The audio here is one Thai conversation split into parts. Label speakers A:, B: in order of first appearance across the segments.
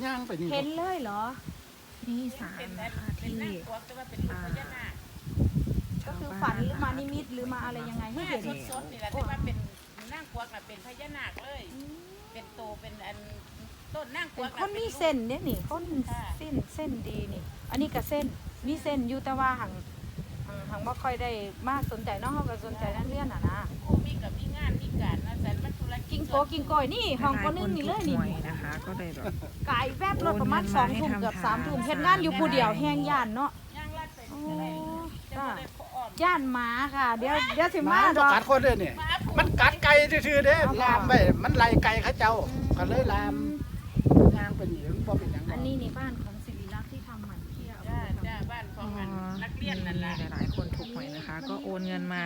A: ย่างไปนี่
B: เห็นเลยเหรอ
C: นี่ศาลนะคะที่
B: ก็คือฝันหรือมานิมิตหรือมาอะไรยังไงให้เห็น
D: สดๆนี่แหละที่ว่าเป็นนางกวักน่ะเป็นพญานาคเลย เป็นโตเป็นอันต้นนางก
B: เป็
D: วัน ก
B: คนมีเส้นเนี่ยนี่คนเส้นดีนี่ อันนี้ก็เส้นมีเส้นอยู่แต่ว่าหังบ่ค่อยได้มาสนใจเนาะเฮาก็สนใจนั่นเรื่องน่ะนะ
D: ผู้มีกับมีงานมีการนะแต่มันธุรกิจ
B: กิ้งโกยนี่ห้องก็นึงนี่เลยนี่
C: หวยนะคะ ก็เลยแบบ
B: กายแวบรถประมาณ2 ทุ่มเกือบ3 ทุ่มเฮ็ดงานอยู่ผู้เดียวแห้งย่านเนาะ
D: ย่างลัดไป
B: โอ้
D: อะไรจะ
B: จ้า
D: บ่ได้ขออ่อน
B: ย่านหมาค่ะ เดี๋ยวสิ
A: ห
B: มา
A: มา
B: ด
A: บ่
B: อก
A: กัดคนเด้อนี่มันกัดไก่ซื่อๆเด้ลามไปมันไล่ไก่เขาเจ้าก็เลยลามย่างไปนี่มันบ่เป็นหยัง
B: อันนี้นี่บ้านของศิริลักษณ์ที่ทำหมันเที่ยว
D: จ้าจ้าบ้านของมันนักเรียนนั่นแหละ
C: หลายๆคนถูกหวยนะคะ ก็โอนเงินมา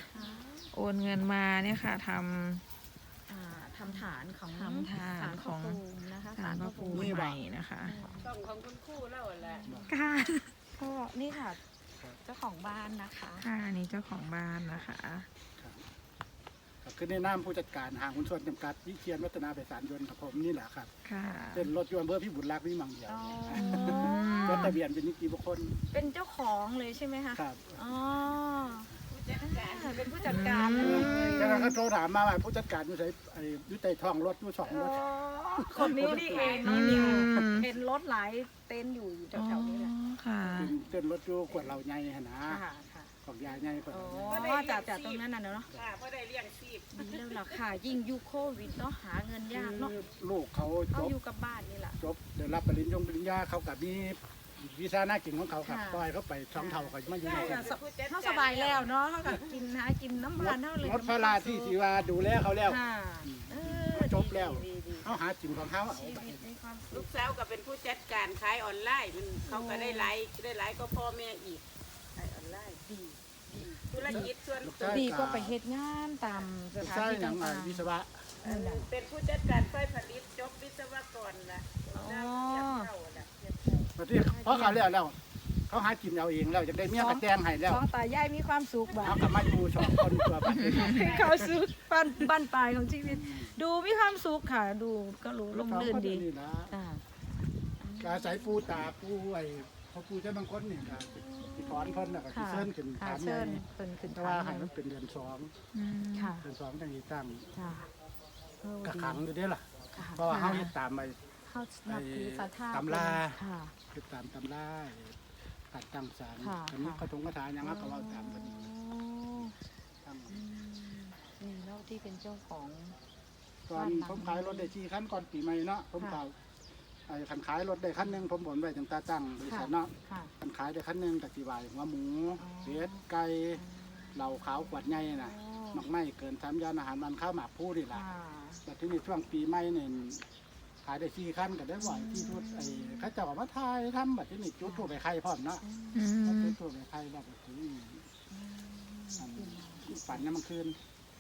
C: เนี่ยค่ะท
B: ทำฐานของ
C: ทำฐานของ
B: ศลพระภูมินะคะ
C: ำศาลพระภูมิใหม่นะคะ
D: ต้องของคุณครูแล้วแหละ
C: ค่ะ
B: ก็นี่ค่ะ เจ้าของบ้านนะคะ
C: ค่ะอันนี้เจ้าของบ้านนะคะ
A: ก็คือในนามผู้จัดการห้างหุ้นส่วนจำกัดวิเชียรวัฒนาไพศาลยนต์กับผมนี่แหละครับ
C: ค่ะ
A: เป็นรถยนต์อำเภอพิบูลรักษ์วิมังเดียว
B: อ๋อ
A: รถทะเบียนเป็นนิติบุคคล
B: เป็นเจ้าของเลยใช่ไหมคะ
A: ครับ
B: อ๋อ
D: ผู้จัดการ
B: เป็นผู้จัดการเลย
A: จากนั้นเขาโทรถามมาว่าผู้จัดการอยู่ไสอยู่ใต้ท้องรถอยู่สองรถ
B: คนนี้นี่เอง
C: อื
B: นี่
C: ม
B: เห็นรถหลายเต็นท์อยู่แถวๆนี้แหละ
C: ค่ะ
A: เป็นรถอยู่กวดเหล่าใหญ่หั่นนะ
B: ค่ะค่ะ
A: ของยายใหญ่กวด
B: อ๋
A: เหล่าใหญ่
B: อจากตรงนั้นน่ะเนาะ
D: ค่ะเพราะได้เลี้ยงชีพ
B: ดีแล้วล่ะค่ะ ยิ่งยุคโควิดเนาะหาเงินยากเนาะ
A: ลูกเขาจ
B: เขา
A: บ
B: อยู่กับบ้านนี่แหละ
A: จบเดี๋ยวรับปริญญาเขากับมีวีซ่าหน้ากินของเขาครับ
B: ค่ะ
A: ปล่อยเขาไปช่องเท่าเขามาอยู่ใน
B: เขาสบายแล้วเนาะเขาก็กินน้ำมันเท่าเลย
A: งดพระราที่ที่ว่าดูแลเขาแล้ว
B: ค่ะเออ
A: จบแล้ว
B: ดี
A: เขาหาจินของเขาเอา
B: ชี
A: ไป
B: วิตมีความสุ
D: ลู
B: ข
D: กสาวก็เป็นผู้จัดการขายออนไลน์มันเขาก็ได้หลายก็พ่อแม่อีกขายออนไลน์ดีธุรกิจส่วนตัว
B: ดีก็ไปเฮ็ดงานตามสถาน
A: ใช่
B: ที่
A: หนัง
B: ต่าง
A: วิศวะ
D: เป็นผู้จัดการไฟผลิตจบวิศวกรละได้เทียบเท่าละเทียบเท่า
A: ประเทศเพราะเขาแล้วเขาหากินเอาเองแล้วจะได้เมียกระแจงให้แล้ว
B: ๆสองตายายมีความสุขแบบ
A: เขากลับมาอยู่สองคนตัวไป
B: เขาสุขบ้านปลายของชีวิต ดูมีความสุขค่ะ ดูก็รู้ลมลื่นดี
A: นี่นะ
B: อ่า
A: อาศัยปูตาปูไอ้พอปูเจ้าบางคนนี่ครับที่ถอนเพิ่นน่ะก็สิ
B: ค่ะ
A: เชิญขึ้น
B: ค่ะ
A: ฐานให
B: เชิ
A: ญ่
B: ญเป็นขึ้น
A: แต่
B: ฐา
A: ว่าน ให้มันเป็นเดือนสอง
B: ค่ะ
A: เดือนสองจังสิตั้ง
B: ค่ะเออก
A: ระขังอยู่เด้อล่ะ
B: ค่ะ
A: เพราะว่าเขาเฮ็ดตามไป
B: เขานับถือศรัทธา
A: ตำรา
B: ค่ะ
A: เฮ็ดตามตำราตัดตั้งศาล
B: ค่ะ
A: อันนี้กระทงกระถาหยังก็เว้าตามกัน
B: อ๋อ
A: ตั้ง
B: นี่แล้วที่เป็นเจ้าของ
A: ตอนผมขายรถได้4คันก่อนปีใหม่เนาะผมก็ไอ้คันขายรถได้คันหนึงผมบ่นไว้ตั้งแต่ตั้งบริษัทเนาะ
B: ค่ะ
A: คันขายได้คันหนึงก็สิว่าหัวหมู
B: อ๋อ
A: เป็ดไก่เหล้าขาวขวดใหญ่น่ะนอกไม้เกิน3ยานอาหารมันข้าวหมากผู้นี่ล่ะ
B: ค่ะ
A: แต่ที่นี่ช่วงปีใหม่เนี่ยขายได้4คันก็ได้บ่อยที่ชุดไอ้เขาเจ้าเอามาถ่ายทำบัดที่นี่จุดทั่วไปใครพร้อมเนาะ
C: อืม
A: จุดทั่วไปใครแบบนี้ปั่นน้ำมันคืน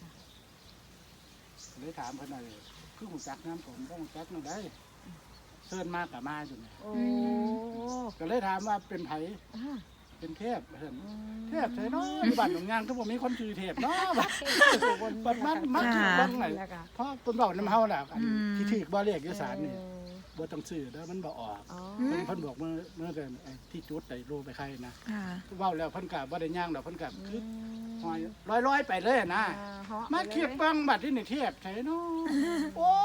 A: เลยถามเพิ่นหน่อยคือหูจักน้ำผมก็หูจักน้ำได้เชิญมากกับมาอยู่เนี่ย
B: โอ้
A: ก็เลยถามว่าเป็นไผ
B: อ่า
A: เป็นเทพเห็นเทพใช่เนาะอยู่บ้านหนองยางก็บ่มีคนชื่อเทพเนาะบัดมันชื่อบ้างไหน
B: แล้วก็
A: เพราะเพิ่นบอกน้ำเฮาแหละอันที่ถือบ่เรียกอยู่ศาลนี่
B: เออ
A: บ่ต้องซื้อเด้อมันบ่ออก
B: อ๋อ
A: เพิ่นบอกเมื่อเดือนไอ้ที่จุดไอ้โลไปใครนะ
C: ค่ะ
A: เว้าแล้วเพิ่นก็บ่ได้ย่างดอกเพิ่นก็คือหอยลอยๆไปเลยนะ
B: เหาะ
A: มา
B: ไปล
A: เทียบบังบัดที่นี่เทียบใช่เนาะโอ้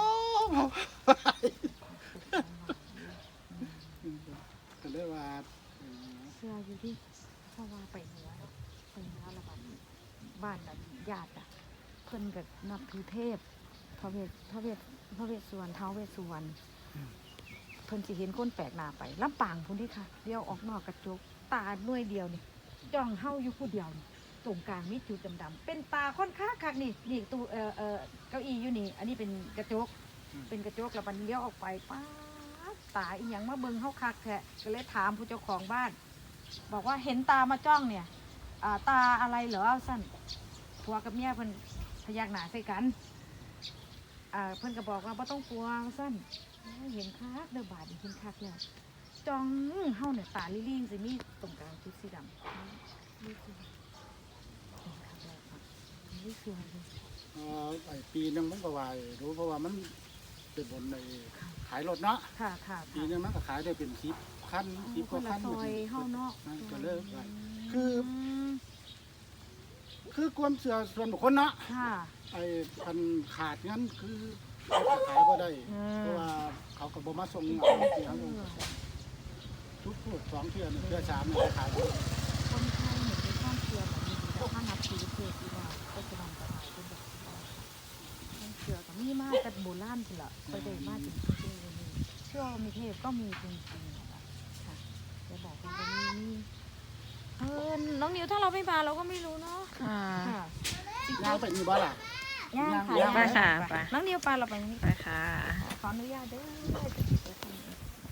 A: ก็เลยว่า
B: เสื้ออยู่ที่เพราะว่าไปเหนือเนาะไปเหนือแล้วบ้านน่ะญาติอ่ะเพิ่นก็นับถือเทพพระเวสสุวรรณท้าวเวสสุวรรณเพิ่นสิเห็นคนแปลกหน้าไปลำปางพุ่นที่ค่ะเดียวออกนอกกระจกตาหน่วยเดียวนี่จ้องเฮาอยู่ผู้เดียวนี่ตรงกลางมีจุดดำๆเป็นตาค่อนข้างคักนี่ตู้เก้าอี้อยู่นี่ อันนี้เป็นกระจก เป็นกระจกแล้วมันเลี้ยวออกไปป้าดตาอีหยังมาเบิ่งเฮาคักแท้ก็เลยถามผู้เจ้าของบ้าน บอกว่าเห็นตามาจ้องเนี่ยตาอะไรเหรอสั้นผัวกับเมียเพิ่นพยักหน้าใส่กันเพิ่นก็บอกว่าบ่ต้องกลัวสั้นเห็นคักเด้อบาดนี่เห็นคักแล้วจ้องเฮาเนี่ยตาลี่ๆสิมีตรงกลางจุดสีดำนี่คือเห็นคักแล้วนี่คืออะไร
A: ไอ้ปีนึงผมก็ว่ารู้เพราะว่ามันเป็นบนในขายรถเนาะ
B: ค่ะค่ะ
A: ปีนึงมันก็ขายได้เป็น10 คัน10
B: ค
A: กว่าน
B: ละ
A: คัน
B: ซอยเฮาเนาะ
A: นั่นก็เลิกไปคือ
B: ม
A: คือความเชื่อส่วนบุคคลเนาะ
B: ค่ะ
A: ไอ้พันขาดงั้นคือเขาก็ขายก็ได้ เพราะว่าเขาก็บ่มาส่งเงาที่เขาทุกพูด2 เทื่อ1 เทื่อ 3เนี่ยขาย
B: คนไทยเนี่ยเป็นความเชื่อแบบนี้แต่ถ้านับถือเทพที่ว่าก็จะนำไปหาเป็นแบบความเชื่อก็มีมากแต่โบราณพุ่นล่ะไปได้มาถึงทุกปีนี้เชื่อว่ามีเทพก็มีจริงๆนะคะค่ะจะบอกว่ามีน้องนิวถ้าเราไม่มาเราก็ไม่รู้เนาะ
C: ค่ะ
B: ค่ะ
A: ย่างไปนี่บ่ล่ะ
B: ย่างค่ะ
A: ย่าง
C: ไปค่ะไป
B: น้องนิวไปเราไปนี่
C: ไปค่ะ
B: ขออนุญาตเด้อจะไปทำเอง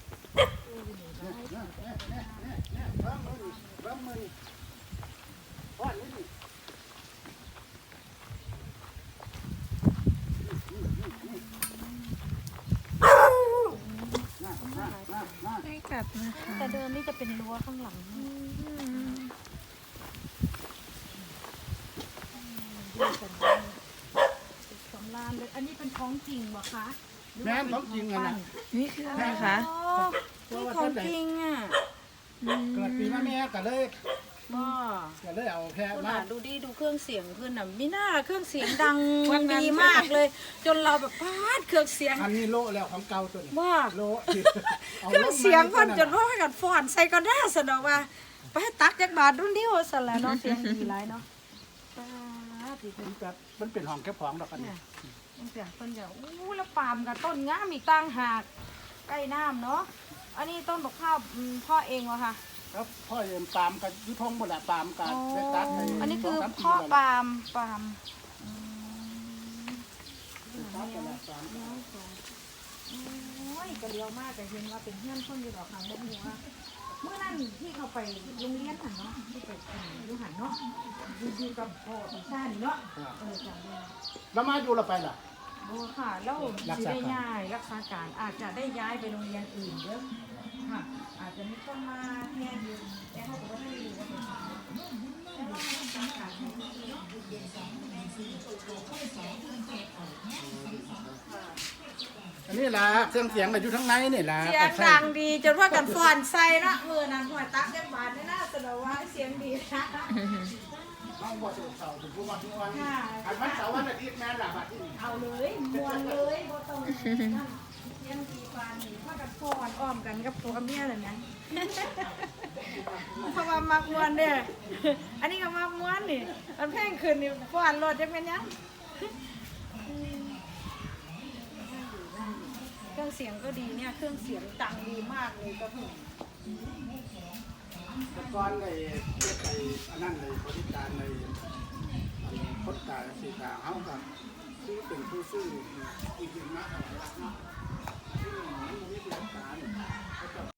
A: เบิ่งมืออ้อนนี่น่า
C: ไม่กัดนะคะ
B: แต่เดิมนี่จะเป็นรั้วข้างหลังดูกันสำราญเลยอันนี้เป็นของจริงเหรอคะหรือ
A: แม่
B: ว่าน
A: ของจริงอะนะ
C: นี่คืออะไรคะ
B: อ๋อนี่ของจริงอ่ะ
A: เกิดปีมาแม่ก็เลย
B: บ่
A: ก็เลยเอาแพะ
B: คุณ
A: มา
B: ดูดิดูเครื่องเสียงเพื่อนน่ะมีหน้าเครื่องเสียงดังดีมากเลย จนเราแบบพาดเครื่องเสียง
A: อันนี้โลแล้วของเก่าตัวนี้
B: ว่า
A: โล
B: เครื่องเสียงเพิ่นจนว่ากันฟ้อนใส่ก็ได้สนอกว่าไปให้ตักจักบาทรุ่นเดียวสั่นแหละเนาะเสียงดีหลายเนาะปาดดี
A: มันเป็นห้องเก็บของดอกอันนี้
B: เนี่ยตั้งแต่เพิ่นจะอู้แล้วปาล์มกับต้นงามอีกต่างหากใกล้น้ำเนาะอันนี้ต้นบักข้าวพ่อเองวะค่ะ
A: แล้วพ่อเอ็มปาล์มกับยุทงหมดแหละปาล์มกับเวตัส
B: อันนี้คือ
A: 2-3
B: พ่อ
A: ปี
B: ปาล์มอืม
A: แล้วปาล์มกับปาล์ม
B: โอ้ยกระเลียวมากแต่เห็นว่าเป็นเพื่อนคนอยู่ดอกทางบนหัวเมื่อนั้นที่เขาไปโรงเรียนหันเนาะที่ไปอยู่หันเนาะอยู่กับพ่อปีชานี่เนาะจำได้
A: แล้วมาอยู่เราไปล่ะ
B: โอ้ค่ะแล้ว
A: รัก
B: สิ
A: ษา
B: ได้
A: การ
B: ย้ายรักษาการอาจจะได้ย้ายไปโรงเรียนอื่นเยอะค่ะอาจจะมีคนมาแทนอยู่แต่เขาบอกว่าไม่รู้ว่าเป็นใครแต่ว่ารักษาการให้ที่เนาะ
A: อันนี้ล่ะเครื่องเสียงก็อยู่ทั้งในนี่ล่ะ
B: เสียงดังดีจนว่ากันฟอนใส่เนาะมือนั้นหัวตักจังบาทนี่น่าสนว่าเสียงดีนะ
A: ห้องบ่ถูกเสาถูกผู้มาทุกวันอันวันเสาร์วันอาทิตย์แม่ล่ะบัดนี้
B: เอาเลยมวนเลยบ่ต้องนั่นเสียงดีปานนี่ว่ากันฟอนอ้อมกันกับผัวเมียเลยนะเพราะว่ามักมวนเด้ออันนี้ก็มักมวนนี่มันแพงขึ้นนี่ฟอนรถจะเป็นยังเครื่องเสียงก็ดีเนี่ยเครื่องเสียงดังดีมากเลยก็ถึง
A: แต่ก่อนเลยเฮ็ดไอ้อันนั้นเลยบริการในคนตาสีตาเฮาก็คือเป็นผู้ซื้อจริงๆนะเนาะที่มันมีบริการ